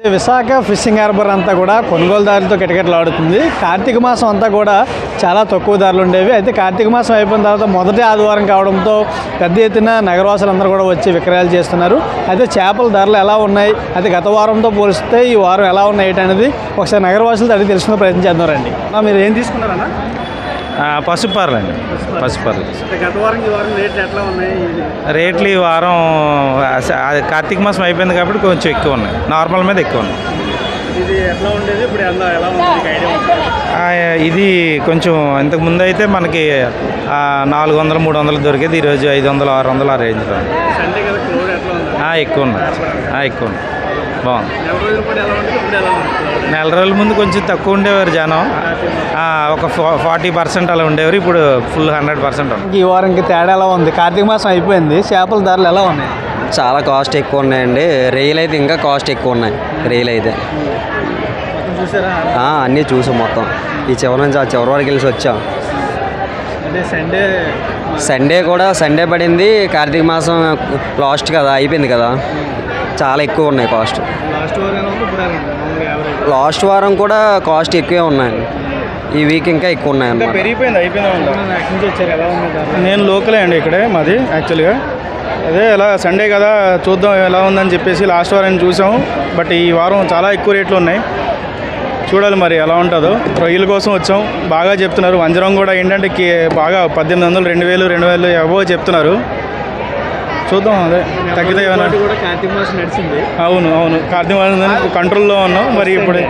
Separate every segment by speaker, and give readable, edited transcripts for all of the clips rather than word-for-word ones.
Speaker 1: Visakha fishing harbour అంతా కూడా కొనుగోలుదారులతో కిటకిటలాడుతుంది. కార్తీక మాసం అంతా కూడా చాలా తక్కువ ధరలు ఉండేవి. అయితే కార్తీక మాసం అయిపోయిన తర్వాత మొదటి ఆదివారం కావడంతో పెద్ద ఎత్తున నగరవాసులందరూ కూడా వచ్చి విక్రయాలు చేస్తున్నారు. అయితే చేపల ధరలు ఎలా ఉన్నాయి, అయితే గత వారంతో పోలిస్తే ఈ వారం ఎలా ఉన్నాయి అనేది ఒకసారి నగరవాసులతో అడిగి తెలుసుకునే ప్రయత్నం చేద్దామండి. మీరు ఏం తీసుకున్నారన్నా?
Speaker 2: పసుపార్లు అండి. పసుపార్లు
Speaker 1: గత వారం ఈ వారం రేట్లు ఎట్లా ఉన్నాయి?
Speaker 2: రేట్లు ఈ వారం కార్తీక మాసం అయిపోయింది కాబట్టి కొంచెం ఎక్కువ ఉన్నాయి, నార్మల్ మీద ఎక్కువ ఉన్నాయి.
Speaker 1: ఇది ఎట్లా ఉండేది, ఇప్పుడు ఎలా ఉంది?
Speaker 2: ఇది కొంచెం ఇంతకు ముందు అయితే మనకి 400, 300 దొరికేది. ఈరోజు 500, 600 ఆ రేంజ్లో
Speaker 1: సండే కదా, క్రౌడ్ ఎట్లా ఉంది?
Speaker 2: ఎక్కువ ఉన్నాయి, ఎక్కువ ఉన్నాయి. బాగుంది. నెల
Speaker 1: నెల రోజుల
Speaker 2: రోజుల ముందు కొంచెం తక్కువ ఉండేవారు జనం, ఒక 40% అలా ఉండేవారు. ఇప్పుడు ఫుల్ 100% ఉంది.
Speaker 1: ఈ వారంకి తేడా ఎలా ఉంది? కార్తీక మాసం అయిపోయింది, చేపల ధరలు ఎలా ఉన్నాయి?
Speaker 3: చాలా కాస్ట్ ఎక్కువ ఉన్నాయండి. రొయ్యలు అయితే ఇంకా కాస్ట్ ఎక్కువ ఉన్నాయి. రొయ్యలు అయితే
Speaker 1: చూసారా?
Speaker 3: అన్నీ చూసాం మొత్తం. ఈ చివరి నుంచి ఆ చివరి వరకు వెళ్ళి వచ్చాం.
Speaker 1: అంటే
Speaker 3: సండే పడింది. కార్తీక మాసం లాస్ట్ కదా, అయిపోయింది కదా, చాలా ఎక్కువ ఉన్నాయి కాస్ట్. లాస్ట్ వారం కూడా కాస్ట్ ఎక్కువే ఉన్నాయండి. ఈ వీక్ ఇంకా ఎక్కువ ఉన్నాయి అన్నమాట.
Speaker 4: నేను లోకలే అండి, ఇక్కడే మాది యాక్చువల్గా. అదే ఎలా సండే కదా, చూద్దాం ఎలా ఉందని చెప్పేసి లాస్ట్ వారం చూసాం. బట్ ఈ వారం చాలా ఎక్కువ రేట్లు ఉన్నాయి, చూడాలి మరి ఎలా ఉంటుందో. రొయ్యల కోసం వచ్చాం. బాగా చెప్తున్నారు. వంజరం కూడా ఏంటంటే బాగా 1800, 2000, 2000 అబోవ్ చెప్తున్నారు. చూద్దాం, అదే తగ్గితే ఏమైనా.
Speaker 1: కార్తీక మాసం నడిచింది.
Speaker 4: అవును కార్తీక మాసం కంట్రోల్లో ఉన్నాం. మరి ఇప్పుడు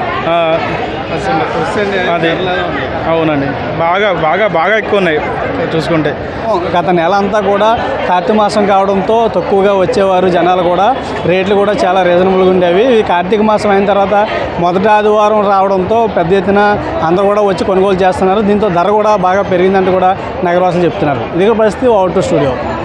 Speaker 4: అదే అవునండి, బాగా ఎక్కువ ఉన్నాయి చూసుకుంటే.
Speaker 1: గత నెల అంతా కూడా కార్తీక మాసం కావడంతో తక్కువగా వచ్చేవారు జనాలు కూడా. రేట్లు కూడా చాలా రీజనబుల్గా ఉండేవి. ఈ కార్తీక మాసం అయిన తర్వాత మొదటి ఆదివారం రావడంతో పెద్ద ఎత్తున అందరూ కూడా వచ్చి కొనుగోలు చేస్తున్నారు. దీంతో ధర కూడా బాగా పెరిగిందంటూ కూడా నగరవాసులు చెప్తున్నారు. ఇదే పరిస్థితి. Out to studio.